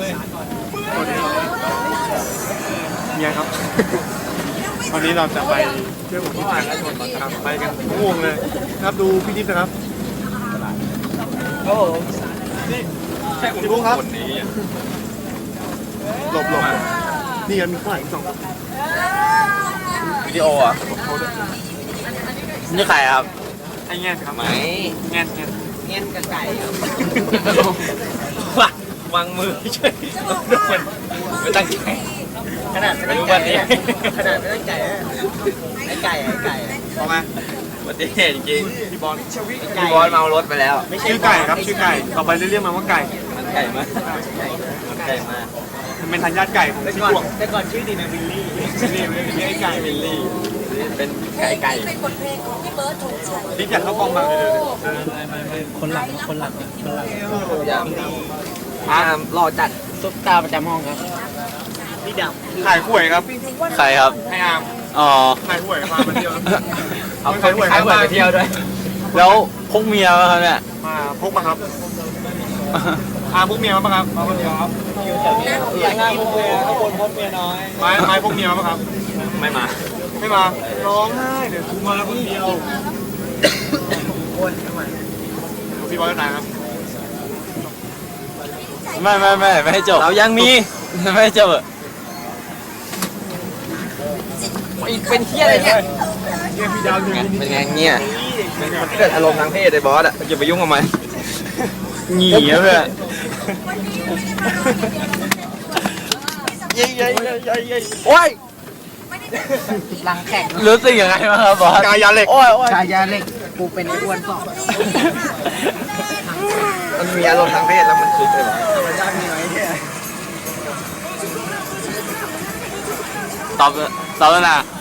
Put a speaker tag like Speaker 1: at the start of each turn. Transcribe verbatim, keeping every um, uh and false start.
Speaker 1: เมียครับวันนี้เราจะไปเที่ยวที่ทางชนนะครับไปกันง่วงเลยนะครับดูพี่ดิ๊บนะครับโอ้โหนี่แค่พี่บุ๊คครับหลบหลบนี่กันมีข้างหลังสอง
Speaker 2: วิดีโออ่ะนี่ใครครับ
Speaker 1: ไอ้แง่ครับ
Speaker 2: ไหม
Speaker 1: แง่แง่
Speaker 2: เงี้ยกับไก่วางวางมือเฉยมันไม่ตั้งใจขนาดไม่ตั้งใจขนาดไม่ตั้งใจไอ้ไก่ไอ้ไก่พอไหมวันนี้จริงๆพี่บอลพี่บอลเมารถไปแล้ว
Speaker 1: ชื่อไก่ครับชื่อไก่ต่อไปเรียกมันว่าไก่
Speaker 2: มันไก่มากมันไก่มาก
Speaker 1: มันเป็นทายาทไก่ของชื่อพวก
Speaker 2: แต่ก่อนชื่อดีนะวิลลี่
Speaker 1: วิลลี่วิลลี่ไอ้ไก่วิลลี่
Speaker 2: เป็นไก่ไก่
Speaker 3: เป็นบทเพลงของพี่เบิร์ดธงชัย
Speaker 1: ดิ๊บอยากเข้ากองมาเลย
Speaker 4: คนหลังคนหลังคนหลัง
Speaker 2: ยามอ่ารอจัด
Speaker 4: ซุปตาประจำห้องครับ
Speaker 2: พี่ดำ
Speaker 1: ขายหวยครับ
Speaker 2: ใครครับ
Speaker 1: ให้อาม
Speaker 2: อ๋อ
Speaker 1: ขายหวยมาไปเที่ยว
Speaker 2: เอาขายหวยขายหวยไปเที่ยวด้วยแล้วพกเมียมาครับเนี่ย
Speaker 1: มาพกมาครับอาพกเมียมาปะครับมาคนเดียวครับ
Speaker 2: อย่างงานพกเมียข้างบนพกเมียน้อย
Speaker 1: ไม้ไม้พกเมียมาปะครับ
Speaker 2: ไม่มา
Speaker 1: ไม่มาร้องไห้เดี๋ยวกูมาคนเดียว
Speaker 2: คนทำไม
Speaker 1: พี่บอลนายครับ
Speaker 2: ไม่ไม่ไม่ไม่ให้จบเรายังมีไม่ให้จบเป็นเฮี้ยอะไรเนี่ยเป็นไงเงี้ยมันเกิดอารมณ์ทางเพศไอ้บอสอ่ะอย่าไปยุ่งกับมันหนีเพื่อนเย้เย้เย้เย้เย้โอ้ย
Speaker 4: หลังแข่ง
Speaker 2: รู้สึกยังไงบ้างครับบอส
Speaker 1: กายาเหล็ก
Speaker 2: โอ้ยโอ้ย
Speaker 4: กายาเหล็กกูเป็นไอ้อ้วนสอบ
Speaker 2: มันมีอารมณ์ทางเพศแล้วมันคือเลย
Speaker 4: ธรรมชาติมีไหมเนี่ย
Speaker 2: ตอบตอบแล้วนะ